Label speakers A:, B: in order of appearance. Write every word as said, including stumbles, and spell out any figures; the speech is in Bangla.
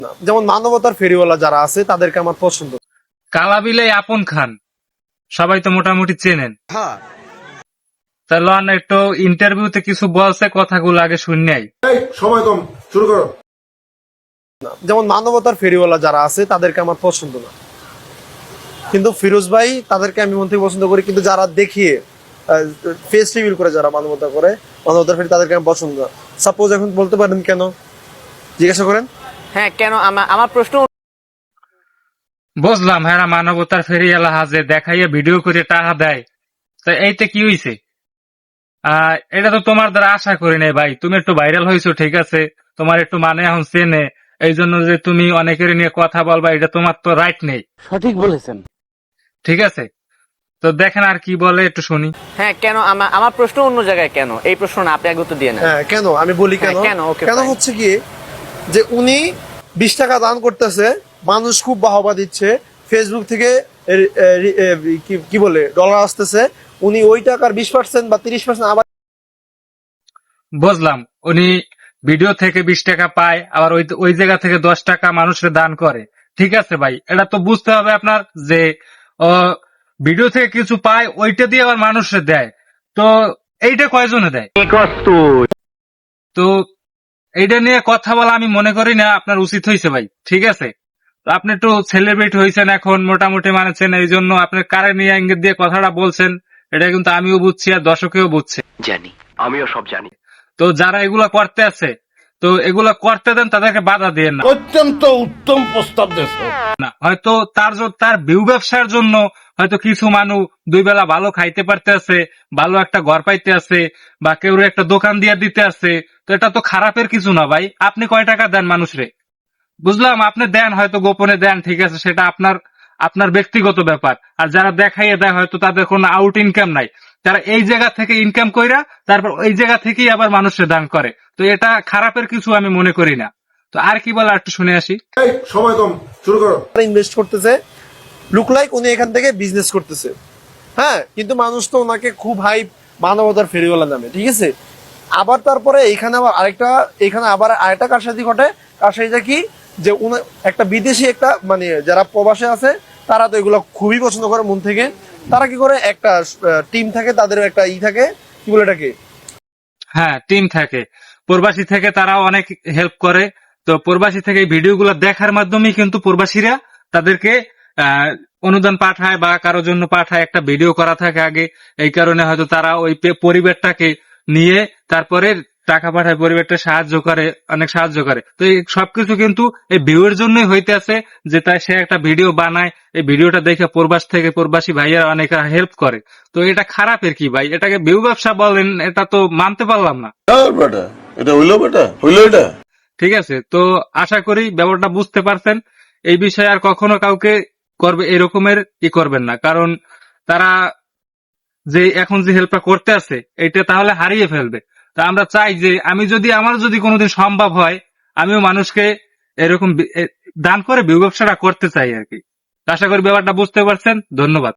A: যেমন মানবতার ফেরিওয়ালা যারা আছে তাদেরকে আমার পছন্দ।
B: কালাবিলে আপন খান সবাই তো মোটামুটি চেনেন। তা লন একটু ইন্টারভিউতে কিছু বলছে, কথাগুলো আগে শুননাই।
C: সময় কম, শুরু করো।
A: যেমন মানবতার ফেরিওয়ালা যারা আছে তাদেরকে আমার পছন্দ না, কিন্তু ফিরোজ ভাই তাদেরকে আমি মন থেকে পছন্দ করি। কিন্তু যারা দেখিয়ে ফেস রিভিল করে, যারা মানবতা করে, মানবতার ফেরি, তাদেরকে আমি পছন্দ না। সাপোজ এখন বলতে পারেন কেন, জিজ্ঞাসা করেন।
D: হ্যাঁ, কেন? আমার প্রশ্ন
B: বুঝলাম, হ্যাঁ মানবতার ফেরিওয়ালা হাজে দেখাইয়া ভিডিও করে টাকা দেয়, তা এইতে কি হইছে? আহ এটা তো তোমার দ্বারা আশা করি নাই ভাই। তুমি একটু ভাইরাল হয়েছো, ঠিক আছে, তোমার একটু মানে এখন চেনে, এই জন্য যে তুমি অনেকের নিয়ে কথা বলবা, এটা তোমার তো রাইট নেই।
D: সঠিক বলেছেন।
B: ঠিক আছে, তো দেখেন আর কি বলে একটু শুনি।
D: হ্যাঁ, কেন? আমার প্রশ্ন অন্য জায়গায়। কেন এই প্রশ্ন না, আপনি আগে উত্তর দিয়ে নেন।
A: হ্যাঁ, কেন আমি বলি কেন।
D: কেন ওকে
A: কেন হচ্ছে কি যে উনি বিশ টাকা দান করতেছে, মানুষ খুব বাহবা দিচ্ছে, ফেসবুক থেকে কি বলে ডলার আসতেছে, উনি ওই টাকার বিশ পার্সেন্ট বা তিরিশ পার্সেন্ট আবার।
B: বুঝলাম, উনি ভিডিও থেকে বিশ টাকা পায়, আবার ওই ওই জায়গা থেকে দশ টাকা মানুষের দান করে। ঠিক আছে ভাই, এটা তো বুঝতে হবে আপনার যে ভিডিও থেকে কিছু পায়, ওইটা দিয়ে আবার মানুষের দেয়। তো এইটা কয়জনে দেয়? তো এইটা নিয়ে কথা বলা আমি মনে করি না আপনার উচিত হয়েছে ভাই। ঠিক আছে, আপনি একটু সেলিব্রিটি হয়েছেন এখন, মোটামুটি মানেছেন, এই জন্য আপনার কারে নিয়ে ইঙ্গিত দিয়ে কথাটা বলছেন, এটা কিন্তু আমিও বুঝছি আর দর্শকেও বুঝছে।
E: জানি, আমিও সব জানি।
B: তো যারা এগুলা করতে আছে, তো এগুলা করতে দেন, তাদেরকে বাধা দিয়ে না।
C: অত্যন্ত উত্তম প্রস্তাব দেশ।
B: না হয়তো তার তার ভিউ ব্যবসার জন্য হয়তো কিছু মানুষ দুই বেলা ভালো খাইতে পারতে আছে, ভালো একটা ঘর পাইতে আছে, বা কেউ একটা দোকান দিয়ে দিতে আছে, তো এটা তো খারাপের কিছু না ভাই। আপনি কয় টাকা দেন মানুষরে, বুঝলাম আপনি দেন, হয়তো গোপনে দেন, ঠিক আছে, সেটা আপনার আপনার ব্যক্তিগত ব্যাপার। আর যারা দেখাইয়ে দেয় হয়তো তাদের কোনো আউট ইনকাম নাই, তারা এই জায়গা থেকে ইনকাম কইরা তারপর ওই জায়গা থেকেই আবার মানুষের দান করে, তো এটা খারাপের কিছু আমি মনে করি না। তো আর কি বলে একটু শুনে আসি।
C: সময় কম, শুরু করো।
A: ইনভেস্ট করতেছে, লুক লাইক উনি এখান থেকে বিজনেস করতেছে। হ্যাঁ, কিন্তু মানুষ তো ওনাকে খুব হাই মানবতার ফেরিওয়ালা নামে, ঠিক আছে। আবার তারপরে এখানে আবার আরেকটা, এখানে আবার আরেকটা কারসাজি ঘটে। কারসাজিটা কি যে একটা বিদেশি একটা মানে যারা প্রবাসে আছে, তারা তো এগুলো খুবই পছন্দ করে মন থেকে। তারা কি করে, একটা টিম থাকে, তাদের একটা ই থাকে, কি বলে এটাকে,
B: হ্যাঁ টিম থাকে, প্রবাসী থেকে তারাও অনেক হেল্প করে। তো প্রবাসী থেকে এই ভিডিওগুলো দেখার মাধ্যমে কিন্তু প্রবাসীরা তাদেরকে আহ অনুদান পাঠায় বা কারোর জন্য পাঠায়, একটা ভিডিও করা থাকে আগে, এই কারণে হয়তো তারা ওই পরিবারটাকে নিয়ে তারপরে টাকা পাঠায়, পরিবারটা সাহায্য করে, অনেক সাহায্য করে। তো এই সবকিছু কিন্তু এই ভিউয়ের জন্যই হইতে আছে, যে তাই সে একটা ভিডিও বানায়, এই ভিডিওটা দেখে প্রবাস থেকে প্রবাসী ভাইয়ারা অনেক হেল্প করে। তো এটা খারাপের কি ভাই? এটাকে ভিউ ব্যবসা বলেন, এটা তো মানতে পারলাম না।
C: এটা হইলো বেটা, হইলো এটা।
B: ঠিক আছে, তো আশা করি ব্যাপারটা বুঝতে পারছেন। এই বিষয়ে আর কখনো কাউকে করবে এরকমের ই করবেন না, কারণ তারা যে এখন যে হেল্পটা করতে আছে এটা তাহলে হারিয়ে ফেলবে। তা আমরা চাই যে আমি যদি আমার যদি কোনোদিন সম্ভব হয়, আমিও মানুষকে এরকম দান করে ভিউ ব্যবসাটা করতে চাই আর কি। আশা করি ব্যাপারটা বুঝতে পারছেন। ধন্যবাদ।